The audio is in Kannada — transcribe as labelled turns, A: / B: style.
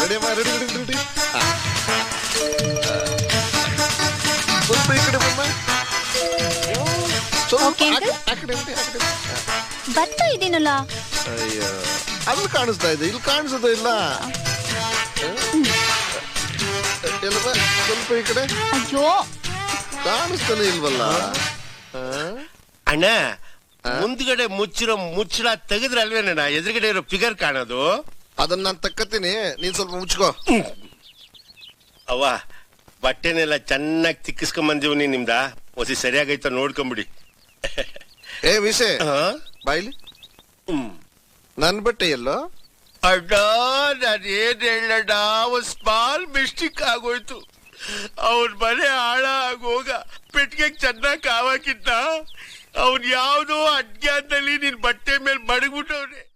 A: ರೆಡಿಯಮ್ಮ ರೆಡಿ ರೆಡಿ ರೆಡಿ ಸ್ವಲ್ಪ ಈ ಕಡೆ ಬಮ್ಮ ಆ ಕಡೆ
B: ಬರ್ತಾ ಇದ್ದೀನಲ್ಲ.
A: ಅಯ್ಯೋ ಅಲ್ಲಿ ಕಾಣಿಸ್ತಾ ಇದೆ, ಇಲ್ಲಿ ಕಾಣಿಸೋದು ಇಲ್ಲ. ಸ್ವಲ್ಪ ಈ ಕಡೆ.
B: ಅಯ್ಯೋ
A: ಕಾಣಿಸ್ತಾನೆ ಇಲ್ವಲ್ಲ.
C: ಅಣ್ಣ ಮುಂದ್ಗಡೆ ಮುಚ್ಚಿರೋ ಮುಚ್ಚಳ ತೆಗೆದ್ರೆ ಅಲ್ವೇನಣ್ಣ ಎದುರುಗಡೆ ಇರೋ ಫಿಗರ್ ಕಾಣೋದು.
A: ಅದನ್ನ ನಾನು ತಕ್ಕತ್ತೀನಿ, ನೀನ್ ಸ್ವಲ್ಪ ಮುಚ್ಕೋ.
C: ಅವ್ವ ಬಟ್ಟೆನೆಲ್ಲ ಚೆನ್ನಾಗಿ ತಿಕ್ಕಿಸ್ಕೊಂಬಂದಿವ್ನಿ ನಿಮ್ದ. ಹೊಸಿ ಸರಿಯಾಗೈತ ನೋಡ್ಕೊಂಬಿಡಿ.
A: ಏ ವಿಷಯ ಬಾಯ್ಲಿ, ನನ್ ಬಟ್ಟೆ ಎಲ್ಲೋ?
C: ಅಡ್ಡ ನಾನು ಏನ್ ಹೇಳಣ್ಣ, ಒಂದ್ ಸ್ಮಾಲ್ ಮಿಸ್ಟೇಕ್ ಆಗೋಯ್ತು. ಅವ್ರ ಮನೆ ಹಾಳ ಆಗೋಗ ಪೆಟ್ಟಿಗೆ ಚೆನ್ನಾಗಿ ಕಾವಾಕಿದ್ದ. ಅವ್ನ್ ಯಾವ್ದೋ ಅಜ್ಞಾನದಲ್ಲಿ ನಿನ್ ಬಟ್ಟೆ ಮೇಲೆ ಮಡಗ್ಬಿಟ್ಟವ್ರೆ.